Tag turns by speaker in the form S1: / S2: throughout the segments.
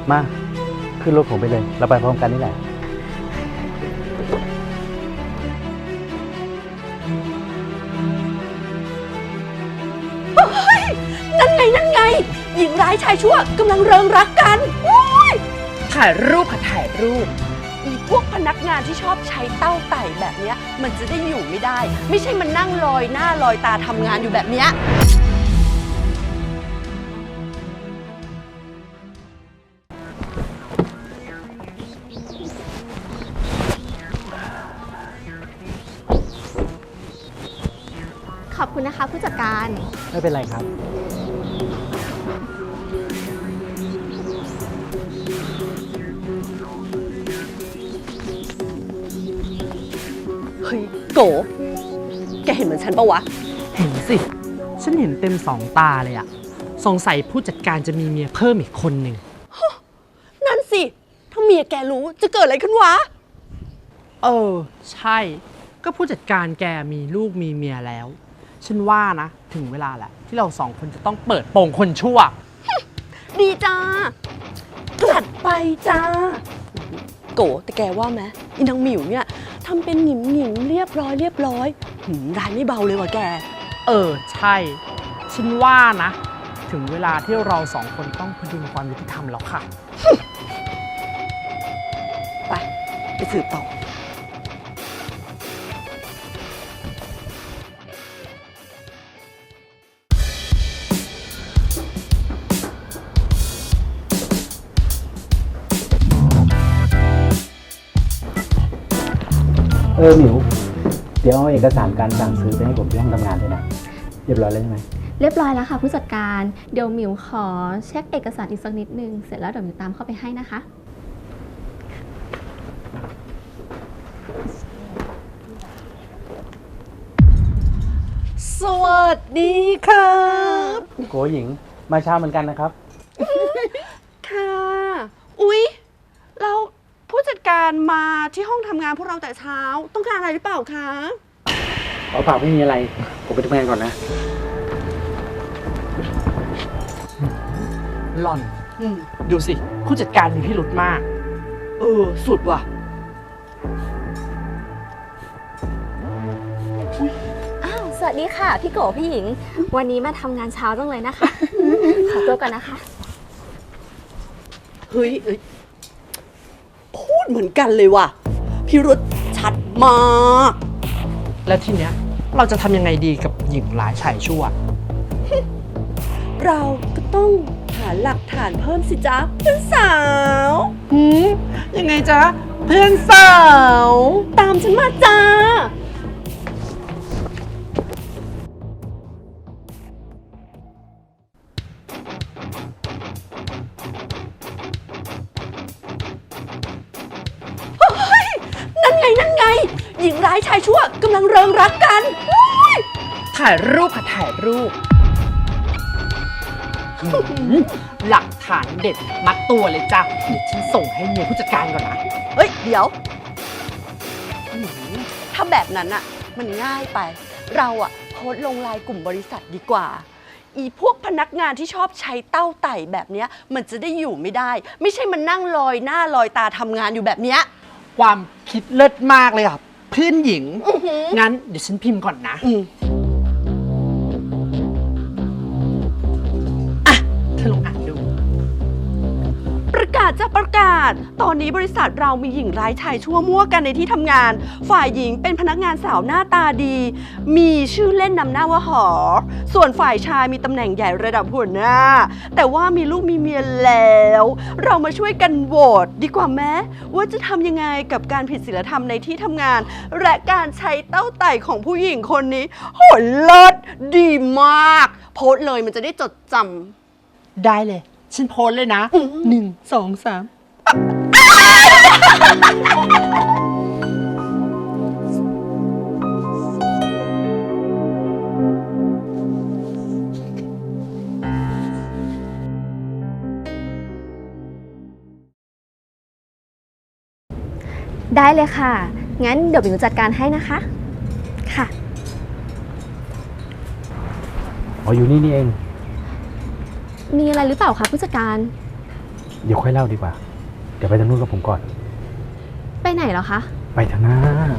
S1: มาขึ้นรถผมไปเลยเราไปพร้อมกันนี่แหละ
S2: นั่นไงหญิงร้ายชายชั่วกำลังเริงรักกันถ่ายรูปค่ะถ่ายรูปอีพวกพนักงานที่ชอบใช้เต้าไต่แบบเนี้ยมันจะได้อยู่ไม่ได้ ไม่ใช่มันนั่งลอยหน้าลอยตาทำงานอยู่แบบเนี้ย
S3: ขอบคุณนะคะผู้จัดการ
S1: ไม่เป็นไรครับ
S2: เฮ้ยโกแกเห็นเหมือนฉันปะวะ
S4: เห็นสิฉันเห็นเต็ม2 ตาเลยอะสงสัยผู้จัดการจะมีเมียเพิ่มอีกคนหนึ่ง
S2: นั่นสิถ้าเมียแกรู้จะเกิดอะไรขึ้นวะ
S4: ใช่ก็ผู้จัดการแกมีลูกมีเมียแล้วฉันว่านะถึงเวลาแหละที่เรา2 คนจะต้องเปิดโปงคนชั่ว
S2: ดีจ้าจัดไปจ้าโกแต่แกว่าไหมอีนางหมิวเนี่ยทำเป็นหงิมเรียบร้อยร้ายไม่เบาเลยว่ะแก
S4: ใช่ฉันว่านะถึงเวลาที่เรา2 คนต้องพดุงความยุติธรรมแล้วค่ะ
S2: ไปสืบต่อ
S1: หมิวเดี๋ยวเอาเอกสารการสั่งซื้อไปให้ผมที่ห้องทำงานด้วยนะเรียบร้อยแล้วใช่ไหม
S3: เรียบร้อยแล้วค่ะผู้จัดการเดี๋ยวหมิวขอเช็คเอกสารอีกสักนิดนึงเสร็จแล้วเดี๋ยวหมิวตามเข้าไปให้นะคะ
S2: สวัสดีครับ
S1: โกหญิงมาเช้าเหมือนกันนะครับ
S2: ค่ะอุ๊ยเราผู้จัดการมาที่ห้องทำงานพวกเราแต่เช้าต้องการอะไรหรือเปล่าคะ
S1: เปล่าไม่มีอะไรผมไปทำงานก่อนนะ
S4: หล่อนดูสิผู้จัดการมีพิรุธมาก
S2: สุดว่ะ
S3: สวัสดีค่ะพี่โกพี่หญิงวันนี้มาทำงานเช้าจังเลยนะคะขอตัวก่อนนะคะ
S2: เฮ้ยพูดเหมือนกันเลยว่ะพิรุธชัดมาก
S4: แล้วทีเนี้ยเราจะทำยังไงดีกับหญิงร้ายชายชั่ว
S2: เราก็ต้องหาหลักฐานเพิ่มสิจ๊ะเพื่อนสาว
S4: ยังไงจ๊ะเพื่อนสาว
S2: ตามฉันมาจ้านั่นไงหญิงร้ายชายชั่วกำลังเริงรักกัน
S4: ถ่ายรูปค่ะถ่ายรูปหลักฐานเด็ดมัดตัวเลยจ้ะเดี๋ยวฉันส่งให้เมียผู้จัดการก่อนนะ
S2: เดี๋ยวถ้าแบบนั้นอะมันง่ายไปเราอะโพสต์ลงไลน์กลุ่มบริษัทดีกว่าอีพวกพนักงานที่ชอบใช้เต้าไต่แบบเนี้ยมันจะได้อยู่ไม่ได้ไม่ใช่มันนั่งลอยหน้าลอยตาทำงานอยู่แบบเนี้ย
S4: ความคิดเลิศมากเลยอ่ะเพื่อนหญิงงั้นเดี๋ยวฉันพิมพ์ก่อนนะเธอลองอ่านดู
S2: ประกาศจะประกาศตอนนี้บริษัทเรามีหญิงร้ายชายชั่วมั่วกันในที่ทำงานฝ่ายหญิงเป็นพนักงานสาวหน้าตาดีมีชื่อเล่นนำหน้าว่าหอส่วนฝ่ายชายมีตำแหน่งใหญ่ระดับหัวหน้าแต่ว่ามีลูกมีเมียแล้วเรามาช่วยกันโหวตดีกว่าแม้ว่าจะทำยังไงกับการผิดศีลธรรมในที่ทำงานและการใช้เต้าไต่ของผู้หญิงคนนี้โหเลิศดีมากโพสต์เลยมันจะได้จดจำ
S4: ได้เลยฉันโพสเลยนะ1 2 3
S3: ได้เลยค่ะงั้นเดี๋ยวหมิวจัดการให้นะคะค่ะ
S1: อยู่นี่เอง
S3: มีอะไรหรือเปล่าคะผู้จัดการ
S1: เดี๋ยวค่อยเล่าดีกว่า เดี๋ยวไปทางนู้นกับผมก่อน
S3: ไปไหนเหรอคะ
S1: ไปทางหน้า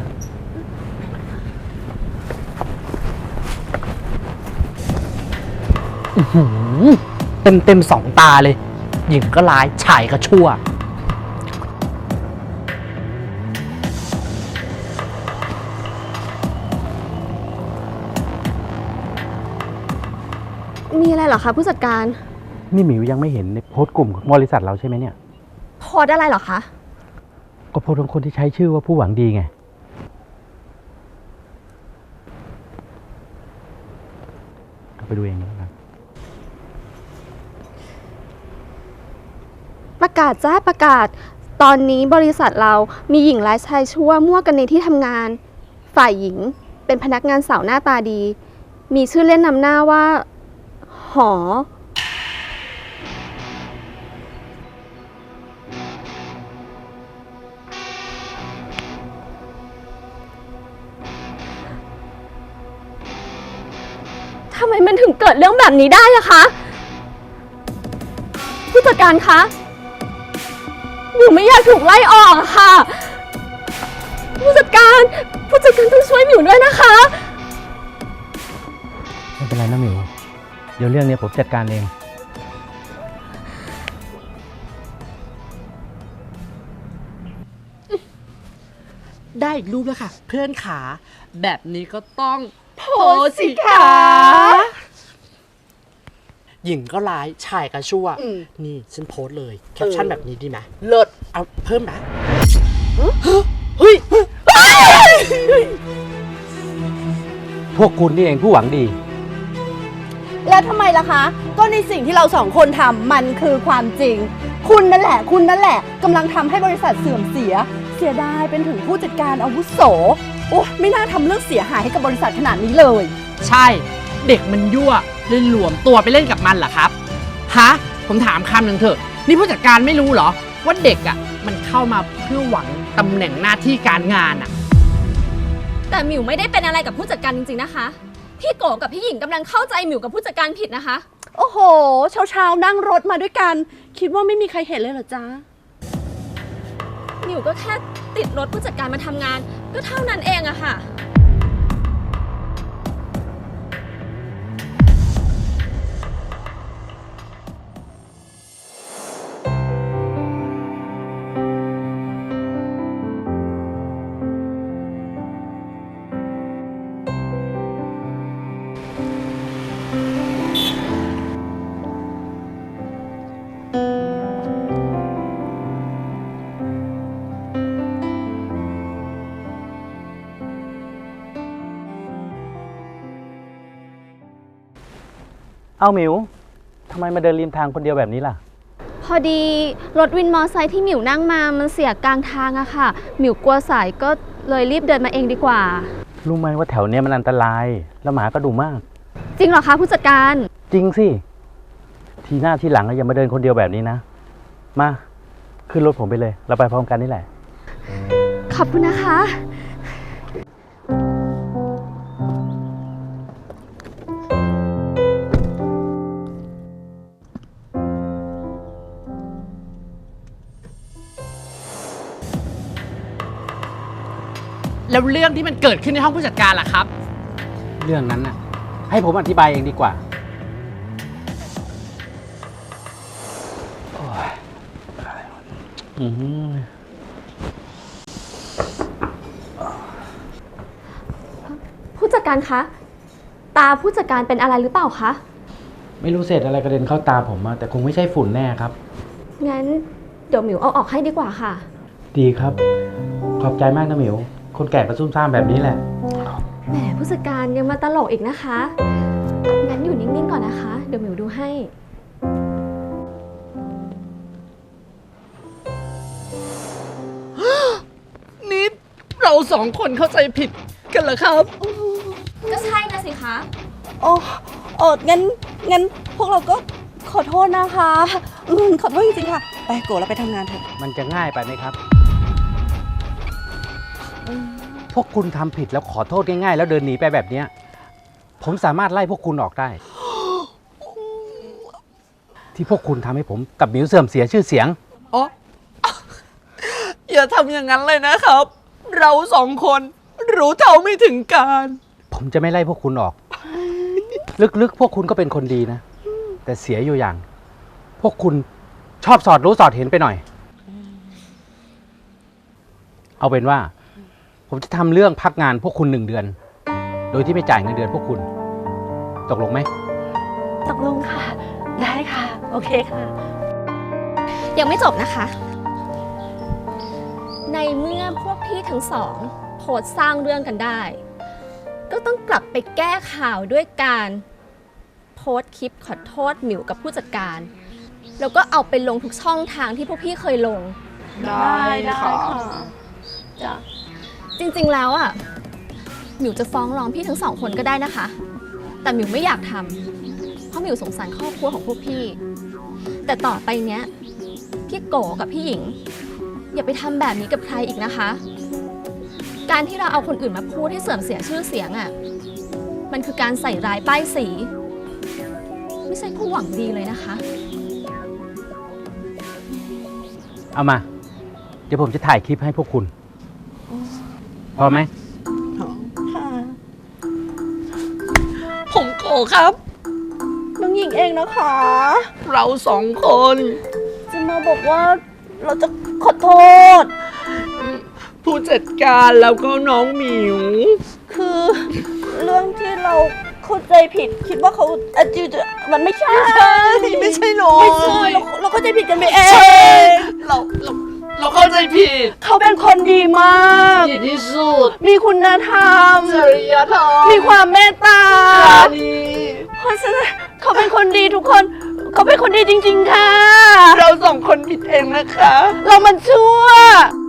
S4: เต็มสองตาเลย หญิงก็ร้ายชายก็ชั่ว
S3: มีอะไรเหรอคะผู้จัดการ
S1: นี่หมิวยังไม่เห็นในโพสต์กลุ่มของบริษัทเราใช่ไหมเนี่ย
S3: โพสต์อะไรเหรอคะ
S1: ก็โพสต์ของคนที่ใช้ชื่อว่าผู้หวังดีไง เอาไปดูเองนะครับ
S3: ประกาศจ้าประกาศ ตอนนี้บริษัทเรามีหญิงร้ายชายชั่วมั่วกันในที่ทำงาน ฝ่ายหญิงเป็นพนักงานสาวหน้าตาดี มีชื่อเล่นนำหน้าว่า หอ ทำไมมันถึงเกิดเรื่องแบบนี้ได้อะคะ ผู้จัดการคะ หนูไม่อยากถูกไล่ออกอะค่ะ ผู้จัดการต้องช่วยหมิวด้วยนะคะ
S1: ไม่เป็นไรนะหมิว เดี๋ยวเรื่องนี้ผมจัดการเอง
S4: ได้อีกรูปแล้วค่ะ เพื่อนขา แบบนี้ก็ต้องโพ
S2: สสิคะ
S4: หญิงก็ร้ายชายก็ชั่ว นี่ฉันโพสต์เลย แคปชั่นแบบนี้ดีไหมเลิศเอาเพิ่มไหมเฮ้ย
S1: พวกคุณนี่เองผู้หวังดี
S2: แล้วทำไมล่ะคะ ก็ในสิ่งที่เราสองคนทำมันคือความจริง คุณนั่นแหละกำลังทำให้บริษัทเสื่อมเสีย เสียดายเป็นถึงผู้จัดการอาวุโส โอ้ไม่น่าทำเรื่องเสียหายให้กับบริษัทขนาดนี้เลย
S4: ใช่ เด็กมันยั่วเลยหลวมตัวไปเล่นกับมันเหรอครับ ฮะ ผมถามคำหนึ่งเถอะ นี่ผู้จัดการไม่รู้เหรอ ว่าเด็กอ่ะมันเข้ามาเพื่อหวังตำแหน่งหน้าที่การงานอ่ะ
S3: แต่หมิวไม่ได้เป็นอะไรกับผู้จัดการจริงๆนะคะ พี่โกกับพี่หญิงกำลังเข้าใจหมิวกับผู้จัดการผิดนะคะ
S2: โอ้โห เช้าๆนั่งรถมาด้วยกัน คิดว่าไม่มีใครเห็นเลยเหรอจ๊ะ
S3: หมิวก็แค่ติดรถผู้จัดการมาทำงาน ก็เท่านั้นเองอะค่ะ
S1: เอาหมิว ทำไมมาเดินริมทางคนเดียวแบบนี้ล่ะ
S3: พอดีรถวินมอไซค์ที่หมิวนั่งมามันเสียกลางทางอะค่ะ หมิวกลัวสายก็เลยรีบเดินมาเองดีกว่า
S1: รู้ไหมว่าแถวเนี้ยมันอันตราย แล้วหมาก็ดุมาก
S3: จริงเหรอคะผู้จัดการ
S1: จริงสิ ทีหน้าทีหลังอย่ามาเดินคนเดียวแบบนี้นะ มา ขึ้นรถผมไปเลย เราไปพร้อมกันนี่แหละ
S3: ขอบคุณนะคะ
S4: แล้วเรื่องที่มันเกิดขึ้นในห้องผู้จัดการล่ะครับ
S1: เรื่องนั้นน่ะ ให้ผมอธิบายเองดีกว่าโอ้ยอืม
S3: ผู้จัดการคะ ตาผู้จัดการเป็นอะไรหรือเปล่าคะ
S1: ไม่รู้เศษอะไรกระเด็นเข้าตาผมอะแต่คงไม่ใช่ฝุ่นแน่ครับ
S3: งั้นเดี๋ยวหมิวเอาออกให้ดีกว่าค่ะ
S1: ดีครับ ขอบใจมากนะหมิว คนแก่ก็ซุ่มซ่ามแบบนี้แหละ
S3: แหมผู้จัดการยังมาตลกอีกนะคะ งั้นอยู่นิ่งๆก่อนนะคะ เดี๋ยวหมิวดูให้
S4: นี่เราสองคนเข้าใจผิดกันเหรอครับ
S3: ก็ใช่นะสิคะ
S2: โอ้งั้นพวกเราก็ขอโทษนะคะขอโทษจริงๆค่ะ ไปโกเราไปทำงานเถอะ
S1: มันจะง่ายไปไหมครับ พวกคุณทำผิดแล้วขอโทษง่ายๆ แล้วเดินหนีไปแบบเนี้ยผมสามารถไล่พวกคุณออกได้ที่พวกคุณทำให้ผมกับหมิวเสื่อมเสียชื่อเสียง
S2: อ๋อ อย่าทำอย่างนั้นเลยนะครับ เราสองคนรู้เท่าไม่ถึงการ
S1: ผมจะไม่ไล่พวกคุณออก ลึกๆ พวกคุณก็เป็นคนดีนะ แต่เสียอยู่อย่าง พวกคุณชอบสอดรู้สอดเห็นไปหน่อย เอาเป็นว่า ผมจะทำเรื่องพักงานพวกคุณ1 เดือน โดยที่ไม่จ่ายเงินเดือนพวกคุณ ตกลงไหม
S2: ตกลงค่ะ ได้ค่ะ โอเคค่ะ
S3: ยังไม่จบนะคะ ในเมื่อพวกพี่ทั้งสองโพสต์สร้างเรื่องกันได้ ก็ต้องกลับไปแก้ข่าวด้วยการโพสต์คลิปขอโทษหมิวกับผู้จัดการ แล้วก็เอาไปลงทุกช่องทางที่พวกพี่เคยลง
S2: ได้ค่ะจ้ะ
S3: จริงๆแล้วอ่ะหมิวจะฟ้องร้องพี่ทั้งสองคนก็ได้นะคะ แต่หมิวไม่อยากทำเพราะหมิวสงสารครอบครัวของพวกพี่ แต่ต่อไปเนี้ยพี่โกกับพี่หญิง อย่าไปทำแบบนี้กับใครอีกนะคะ การที่เราเอาคนอื่นมาพูดให้เสื่อมเสียชื่อเสียงอ่ะมันคือการใส่ร้ายป้ายสี ไม่ใช่ผู้หวังดีเลยนะคะ
S1: เอามา เดี๋ยวผมจะถ่ายคลิปให้พวกคุณ พอไหม
S2: ค่ะ ผมโกครับ น้องหญิงเองนะคะ เราสองคน จะมาบอกว่าเราจะขอโทษ ผู้จัดการแล้วก็น้องหมิว คือเรื่องที่เราเข้าใจผิด คิดว่าเขาจิวมันไม่ใช่ ไม่ใช่หรอไม่ใช่เราเข้าใจผิดกันไปเองเราเข้าใจผิด เขาเป็นคนดีมากดีที่สุด มีคุณธรรมจริยธรรมมีความเมตตาเพราะฉะนั้นเขาเป็นคนดีทุกคน เขาเป็นคนดีจริงๆค่ะ เราสองคนผิดเองนะคะ เรามันชั่ว